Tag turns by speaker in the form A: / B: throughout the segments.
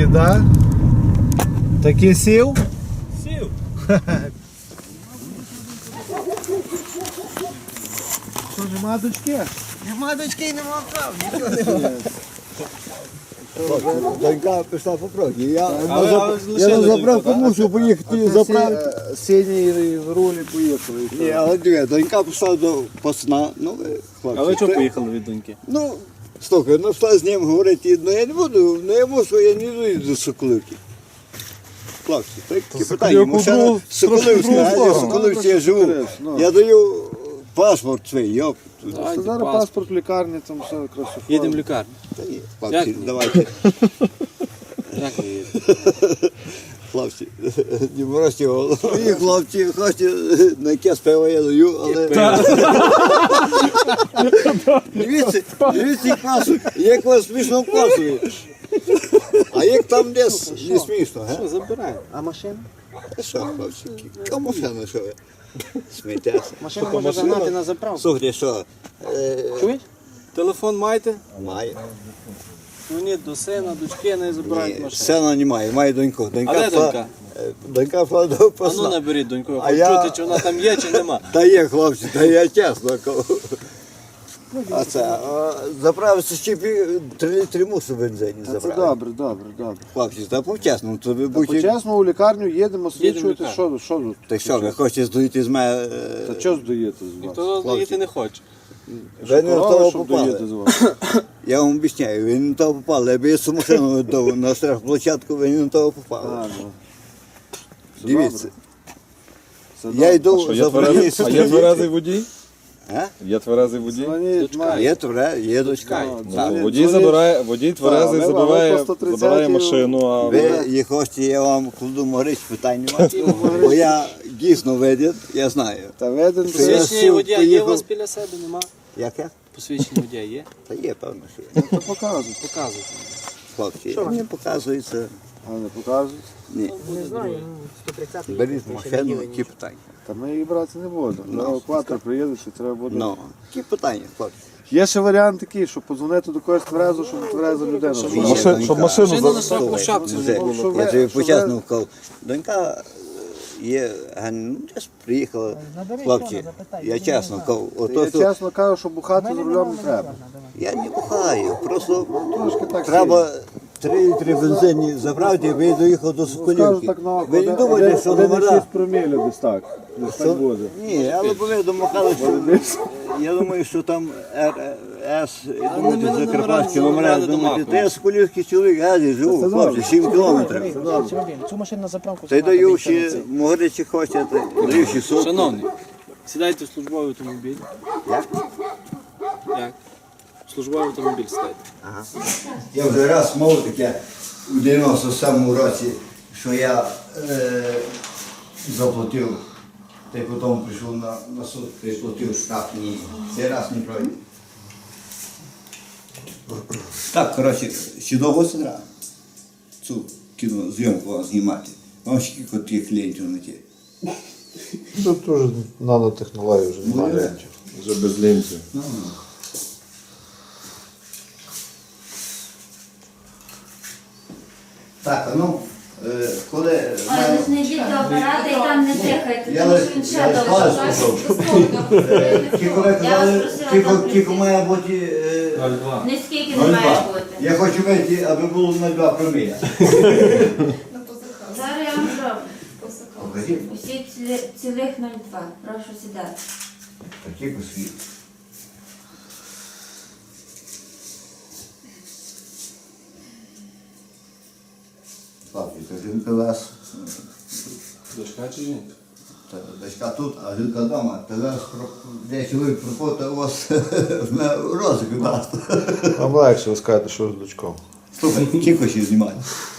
A: Трошки, да? Таки сів?
B: Сів.
A: Що, нема дочки?
C: Нема дочки і нема прав, нічого немає. Донька пішла по прогі. Я на заправку мушу поїхати заправити.
A: Синій в рулі поїхали.
C: Ні, але диви, донька пішла до посна. Ну, хлопці.
B: А ви чого поїхали від доньки?
C: Ну, слухай, ну що з ним говорити, ну я не буду, ну я мушу, я не йду до Соколивки. Хлопці, такі питання, машина Соколивська, а я в Соколивці я живу. Я даю паспорт свій, йоп.
A: Зараз паспорт в лікарні, там все красофон.
B: Їдемо в лікарню.
C: Та ні,
B: Як
C: хлопці,
B: ні?
C: давайте.
B: Як ви їдете?
C: Хлопці, не морозьте голову. І хлопці, хочете на якесь пиво я даю, але... Дивіться, як вас смішно вказує. А як там десь не смішно, га?
B: Що, забираємо.
A: А машина?
C: Та що, хлопці, кому машина, що ви? Сміттяся.
B: Машину можна загнати на заправку.
C: Слухайте, що?
B: Чуєш? Телефон маєте?
C: Має.
B: Дзвоніть до сина, дочки, не забирають
C: Ні,
B: машину.
C: сина немає, має доньку.
B: А де донька?
C: Донька пішла до
B: А ну
C: посла.
B: наберіть доньку, я
C: А
B: хочу
C: я-
B: чути, чи вона там є, чи нема.
C: Та є, хлопці, та я чесно кажу. А це, заправився ще 3 літри мусу бензині
A: Це
C: заправити.
A: добре.
C: Хлопці, та по-чесному, то ви
A: Та
C: будьте...
A: по-чесному у лікарню їдемо,
B: в
A: свідчуєте,
B: лікарню.
A: що тут?
C: Та що, ви хочете здоїти з мене...
A: Та що здаєте з вас?
B: Ніхто заїти не хоче.
C: Ви не на
A: Корова,
C: того
A: що вдаєте
C: попали.
A: з вас?
C: Я вам обіцяю, ви не на того попали. Якби я цю машину віддав на штрафплощадку, ви не на того попали.
A: А, ну. Це
C: Дивіться,
A: добре.
C: я йду
D: Що,
C: за
D: є тверезий, а є тверезий водій?
C: А?
D: Є тверезий водій?
A: Дзвоніть,
B: Дочка.
A: має.
C: Є твере, є дочка.
D: Ну,
C: Так.
D: то
A: Дзвоніть.
D: водій тверезий
A: Так,
D: забирає,
A: ви по 130
D: забирає машину, а
C: Ви їх хочете, я вам кладу могрич, питань немає. Бо я дійсно видів, я знаю.
A: Та веден
C: Я
B: Посвідчення
C: сів,
B: водія є у
C: поїхав.
B: вас біля себе, нема?
C: Як я?
B: Посвідчення водія є?
C: Та є, певно, що є.
A: то показують.
B: Показуйте.
C: Хлопці, не показується.
A: А не показують.
C: Ні.
E: Не знаю, 130
C: Беріть машину, які питання.
A: Та ми її брати не будемо. Евакуатор приїде, чи треба буде.
C: Ну, які питання, хлопці.
A: Є ще варіант такий, щоб подзвонити до когось тверезо, щоб твереза людина.
B: Щоб
A: була.
D: машину
B: Машина на штрафному
C: Слухай,
B: шапці
C: вже,
B: не було.
A: Що
C: я
A: ви-
C: тобі
A: що
C: почесно
A: ви-
C: вкав. Донька є, ну, десь приїхала. Хлопці, я чесно вкав. Ото,
A: Я
C: що
A: чесно кажу, що бухати за рулем не треба.
C: я не бухаю, просто
A: Трошки так
C: треба 3 літри бензині забрати, і ви доїхав до
A: Скажу
C: Соколівки.
A: так на
C: Ви не думаєте, що номера?
A: 6 промілів десь так. Десь так буде.
C: Ні, але ви домахали, що я думаю, що там РС, думаєте,
B: мене
C: закарпатські
B: номера
C: номера,
B: не
C: думаєте,
B: домахують.
C: та я Соколівський чоловік, газі живу, хлопці, 7 кілометрів.
E: Цю машину на заправку.
C: Та й даю ще, могричі хочете, даю 600.
B: Шановний, сідайте в службовий автомобіль.
C: Як?
B: Як? В службовий автомобіль сідайте.
C: Я вже раз мов таке у 97-му році, що я заплатив, та й потім прийшов на суд, та й платив штраф. Ні, цей раз не пройде. Так, коротше, ще довго сидра цю кінозйомку вам знімати. Вам скільки таких клієнтів знайти?
A: Тут теж нанотехнології вже немає.
D: вже без лінців.
C: Так, а ну, коли...
F: Але ви ж не йдіть до апарата і там не дихайте,
C: Я
F: тому
C: лиш-
F: що він ще
C: я лиш палець
F: довше.
C: Тільки ви казали, тільки має бути...
B: 02.
F: Не скільки не має
C: 0,2.
F: бути.
C: Я хочу вийти, аби було 0,2 проміля.
F: Зараз я вам зроблю.
C: Покажіть.
F: Усі цілих 0,2. Прошу сідати.
C: Такі посвіт. Славі, то жінка вас,
B: Дочка чи жінка?
C: та дочка тут, а жінка вдома. Та вас, де чоловік пропотав, у вас на розик дасть.
A: Вам легше ви скажете, що з дочком.
C: Слухай, кілько ще знімати.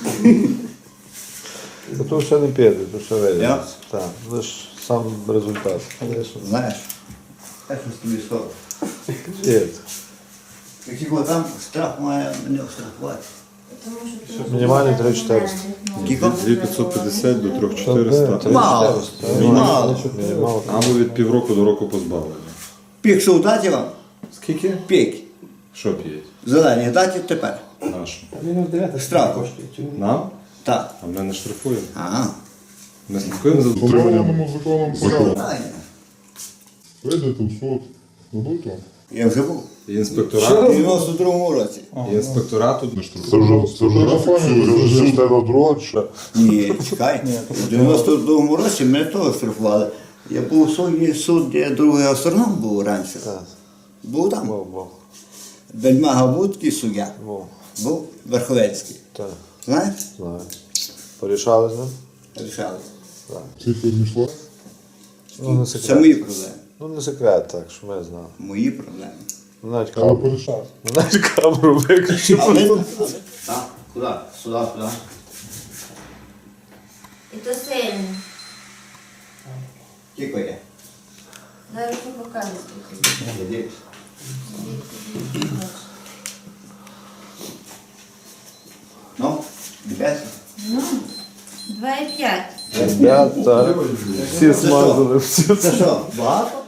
A: Та то ще не піде, то ще вийде.
C: Я?
A: Так, лише сам результат.
C: Знаєш, я щось тобі скажу.
A: Є.
C: Якщо там штраф має мене штрафувати.
A: Мінімальний 3-400.
C: Скільки?
D: 2550 до 3400.
C: Мало. Мало.
A: Мало.
D: Або від півроку до року позбавлення.
C: Пік що дати вам?
A: Скільки?
C: Пік.
D: Що п'ють?
C: Зелені дати тепер.
D: Нашу.
C: Штраф коштує.
D: Нам?
C: Так.
D: А ми не штрафуємо.
C: Ага.
D: Ми слідкуємо за
G: Встановленому законом порядку.
C: Правильно.
G: Вийдете в суд. Дадуть вам.
C: Я вже був.
D: І
C: В
D: інспекторату.
C: 92-му році.
D: І інспекторату.
G: Це вже фамілія, вже ж тебе дроча.
C: Ні, чекай. У 92-му році мене теж штрафували. Я був у суд, де другий астроном був раніше. Був там. Бельмага був такий суддя. Був Верховецький.
A: Так,
C: Знаєш?
A: знаю. Порішали з ним?
C: Рішали.
G: Скільки відійшло?
A: Ну, не
C: Це
A: секрет.
C: мої проблеми.
A: Ну, не секрет, так, що ми знали.
C: Мої проблеми.
A: Ну, навіть
G: Але
A: камеру,
G: порішав.
A: навіть камеру виключив.
C: Так, куди? Сюди, сюди.
F: І то сильно.
C: Тільки є.
F: Зараз покажу.
C: Іди. Ну, дивись.
F: Ну, 2,5.
A: Ребята, всі смазали, всі.
C: Це що, багато?